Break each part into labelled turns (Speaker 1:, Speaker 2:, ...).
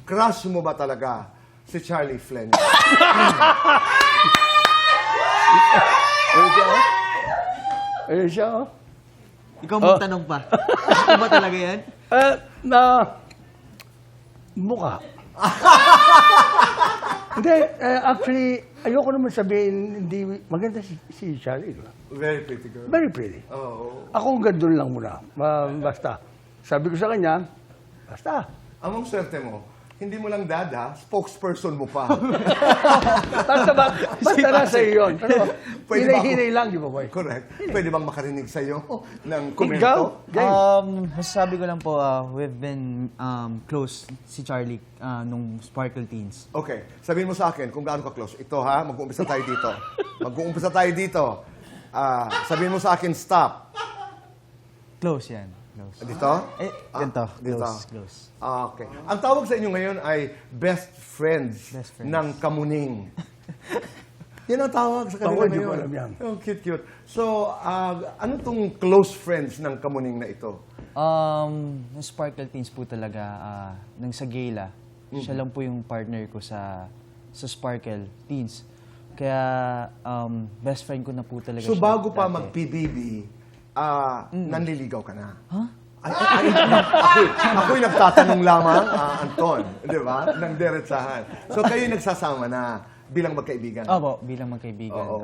Speaker 1: crush mo ba talaga si Charlie Fleming?
Speaker 2: Ayun siya, oh. Ayun siya, oh.
Speaker 3: Ikaw magtanong pa. Ito ba talaga yan?
Speaker 2: Mukha. Hindi, actually, ayoko naman sabihin, hindi, maganda si Charlie. Diba?
Speaker 1: Very pretty girl.
Speaker 2: Very pretty.
Speaker 1: Oo.
Speaker 2: Ako gandun lang muna. Basta. Sabi ko sa kanya, basta.
Speaker 1: Among swerte mo, hindi mo lang dada, spokesperson mo pa.
Speaker 2: Basta nasa iyo yun. Ano,
Speaker 1: Pwede ba ako-
Speaker 2: hinay-hinay lang, di ba, boy?
Speaker 1: Correct. Pwede bang makarinig sa'yo ng
Speaker 2: Ikaw?
Speaker 1: komento?
Speaker 3: Masasabi ko lang po, we've been close si Charlie nung Sparkle Teens.
Speaker 1: Okay. Sabihin mo sa akin kung gaano ka close. Ito ha, mag-uumpisa tayo dito. Mag-uumpisa tayo dito. Sabihin mo sa akin, stop.
Speaker 3: Close yan. Close.
Speaker 1: Dito?
Speaker 3: Ganito.
Speaker 1: Dito.
Speaker 3: Close.
Speaker 1: Okay. Ang tawag sa inyo ngayon ay best friends,
Speaker 3: Best friends.
Speaker 1: ng Kamuning. Yan ang tawag sa kanila
Speaker 2: Ako, hindi ko
Speaker 1: ngayon.
Speaker 2: alam yan.
Speaker 1: Oh, cute. So, ano tong close friends ng Kamuning na ito?
Speaker 3: Yung Sparkle Teens po talaga, nang sa Gala, siya lang po yung partner ko sa Sparkle Teens. Kaya, best friend ko na po talaga
Speaker 1: So,
Speaker 3: siya
Speaker 1: bago pa
Speaker 3: dati.
Speaker 1: mag-PBB, nanliligaw ka na?
Speaker 3: Huh?
Speaker 1: Ako'y nagtatanong lamang, Anton, di ba? Nang diretsahan. So, kayo nagsasama na bilang magkaibigan?
Speaker 3: Opo, bilang magkaibigan.
Speaker 1: Oo.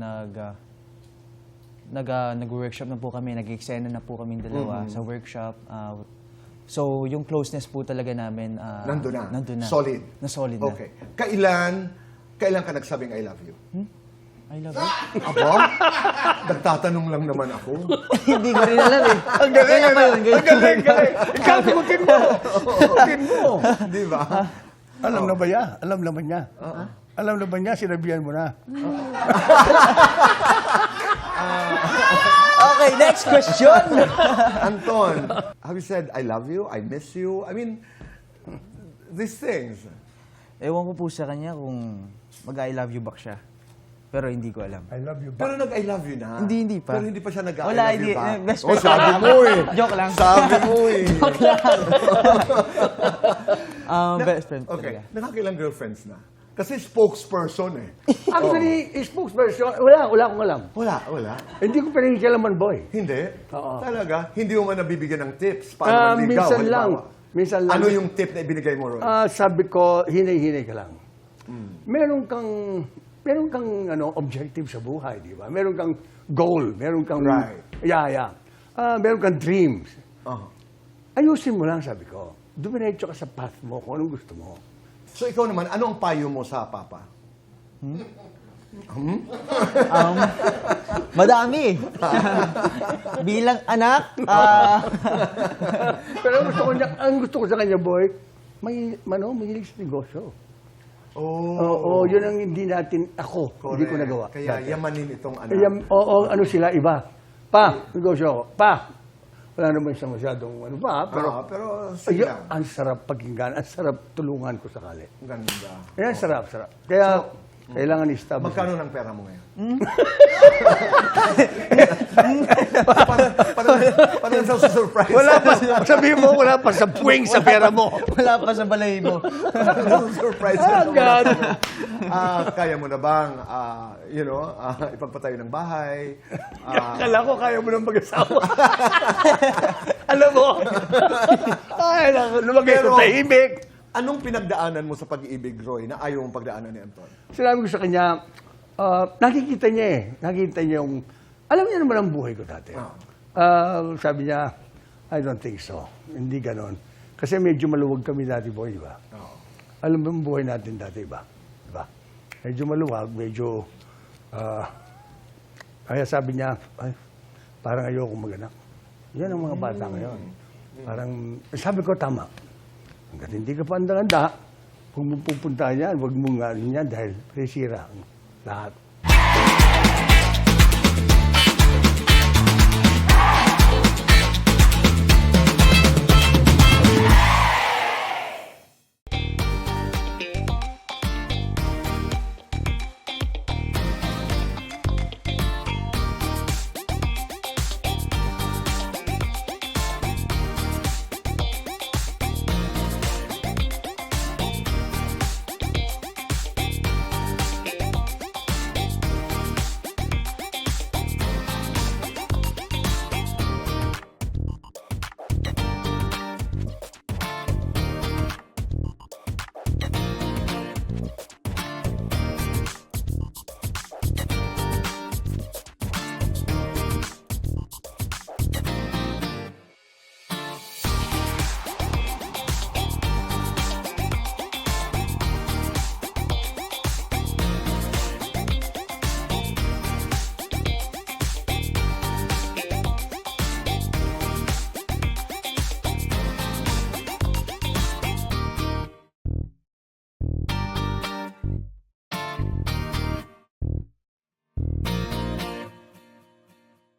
Speaker 3: Nag-workshop na po kami, nag-eksena na po kaming dalawa sa workshop. So, yung closeness po talaga namin,
Speaker 1: Nandun na?
Speaker 3: Nandun na.
Speaker 1: Solid?
Speaker 3: Na solid na.
Speaker 1: Okay. Kailan ka nagsabing I love you?
Speaker 3: I love you.
Speaker 1: Aba? Nagtatanong lang naman ako.
Speaker 3: Hindi ko rin alam eh.
Speaker 2: Ang galing,
Speaker 3: Kaya pa yun,
Speaker 2: ang galing. Ikaw, sagutin mo. Sagutin mo.
Speaker 1: Di ba?
Speaker 2: Alam na ba niya? Alam naman niya. Alam na ba niya? Sinabihan mo na.
Speaker 3: Okay, next question.
Speaker 1: Anton, have you said I love you? I miss you? I mean, these things.
Speaker 3: Ewan ko po sa kanya kung mag-I love you back siya. Pero hindi ko alam.
Speaker 2: I love you.
Speaker 1: Pero nag-I love you na.
Speaker 3: Hindi pa.
Speaker 1: Pero hindi pa siya nag-I
Speaker 3: Wala,
Speaker 1: love
Speaker 3: hindi.
Speaker 1: you ba?
Speaker 3: Best
Speaker 1: Oh,
Speaker 3: friend.
Speaker 1: sabi mo eh.
Speaker 3: Joke lang.
Speaker 1: Sabi mo eh.
Speaker 3: Best friend
Speaker 1: Okay.
Speaker 3: talaga.
Speaker 1: Nakakailang girlfriends na? Kasi spokesperson eh.
Speaker 2: Actually, spokesperson, wala akong alam.
Speaker 1: Wala.
Speaker 2: Hindi ko pinakikialaman, boy.
Speaker 1: Hindi?
Speaker 2: Oo.
Speaker 1: Talaga? Hindi mo man nabibigyan ng tips? Paano manligaw?
Speaker 2: Minsan lang.
Speaker 1: halimbawa?
Speaker 2: Minsan lang.
Speaker 1: Ano yung tip na ibinigay mo ron?
Speaker 2: Sabi ko, hinay-hinay ka lang. Meron kang objective sa buhay, di ba? Meron kang goal, meron kang
Speaker 1: Right.
Speaker 2: meron kang dreams.
Speaker 1: Oh.
Speaker 2: Ayusin mo lang, sabi ko. Dumiretso ka sa path mo kung anong gusto mo.
Speaker 1: So ikaw naman, ano ang payo mo sa papa?
Speaker 3: Madami. Bilang anak,
Speaker 2: Pero ang gusto ko sa kanya, boy, mahilig sa negosyo. Oo, yun ang hindi natin, hindi ko nagawa.
Speaker 1: Kaya
Speaker 2: dati.
Speaker 1: yamanin itong anak.
Speaker 2: Ano sila, iba. Negosyo ako. Wala naman siya masyadong
Speaker 1: Pero
Speaker 2: ayun,
Speaker 1: sila.
Speaker 2: ang sarap pakinggan, ang sarap tulungan ko sakali.
Speaker 1: Ganda.
Speaker 2: Ayan, sarap. Kaya, kailangan i-establish.
Speaker 1: Magkano ng pera mo ngayon? Parang sa surprise.
Speaker 2: Wala pa, sabihin mo, wala pa sa puwing sa pera mo.
Speaker 3: wala pa sa balay mo.
Speaker 1: Surprise.
Speaker 2: God.
Speaker 1: Kaya mo na bang, ipagpatayo ng bahay?
Speaker 2: Akala ko kaya mo nang mag-asawa. Alam mo? Ay, lumagay ko
Speaker 1: Pero-
Speaker 2: tahimik.
Speaker 1: Anong pinagdaanan mo sa pag-ibig, Roy, na ayaw mong pagdaanan ni Anton?
Speaker 2: Sinabi ko sa kanya, nakikita niya eh. Nakikita niya yung, alam niya naman ang buhay ko dati. Sabi niya, I don't think so. Hindi ganon. Kasi medyo maluwag kami dati, boy, di ba? Alam mo yung buhay natin dati, ba? Di ba? Medyo maluwag, medyo, kaya sabi niya, ay, parang ayoko mag-anak. Yan ang mga bata ngayon. Parang, sabi ko, tama. Hanggat hindi ka pa andang-anda, kung mo pupuntahan yan, huwag mong ano yan dahil resira ang lahat.